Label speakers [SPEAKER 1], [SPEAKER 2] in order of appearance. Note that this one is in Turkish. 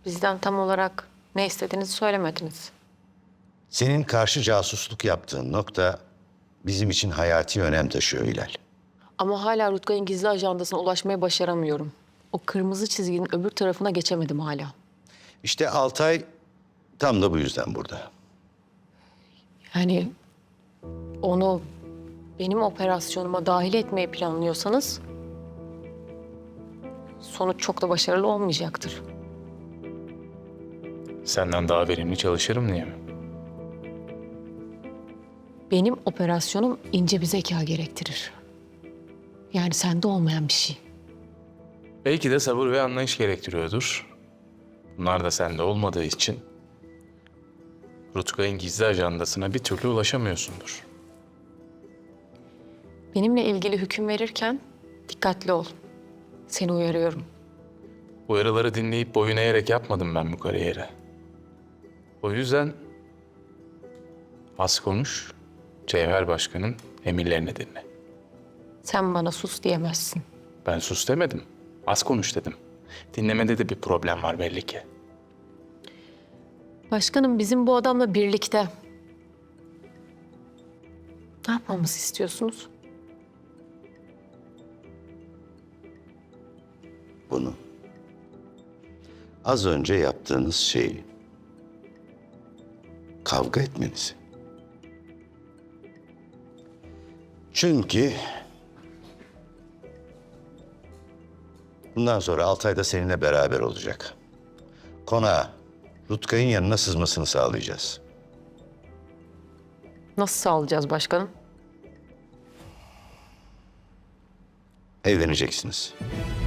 [SPEAKER 1] Bizden tam olarak ne istediğinizi söylemediniz.
[SPEAKER 2] Senin karşı casusluk yaptığın nokta bizim için hayati önem taşıyor Hilal.
[SPEAKER 1] Ama hala Rutkay'ın gizli ajandasına ulaşmaya başaramıyorum. O kırmızı çizginin öbür tarafına geçemedim hala.
[SPEAKER 2] İşte Altay tam da bu yüzden burada.
[SPEAKER 1] Yani onu benim operasyonuma dahil etmeyi planlıyorsanız sonuç çok da başarılı olmayacaktır.
[SPEAKER 3] Senden daha verimli çalışırım diye mi?
[SPEAKER 1] Benim operasyonum ince bir zeka gerektirir. Yani sende olmayan bir şey.
[SPEAKER 3] Belki de sabır ve anlayış gerektiriyordur. Bunlar da sende olmadığı için Rutkay'ın gizli ajandasına bir türlü ulaşamıyorsundur.
[SPEAKER 1] Benimle ilgili hüküm verirken dikkatli ol. Seni uyarıyorum.
[SPEAKER 3] Uyarıları dinleyip boyun eğerek yapmadım ben bu kariyeri. O yüzden az konuş, Cevher Başkan'ın emirlerini dinle.
[SPEAKER 1] Sen bana sus diyemezsin.
[SPEAKER 3] Ben sus demedim, az konuş dedim. Dinlemede de bir problem var belli ki.
[SPEAKER 1] Başkanım bizim bu adamla birlikte. Ne yapmamızı istiyorsunuz?
[SPEAKER 2] Bunu. Az önce yaptığınız şeyi. Kavga etmenizi. Çünkü bundan sonra Altay da seninle beraber olacak. Konağa Rutkay'ın yanına sızmasını sağlayacağız.
[SPEAKER 1] Nasıl sağlayacağız başkanım?
[SPEAKER 2] Evleneceksiniz.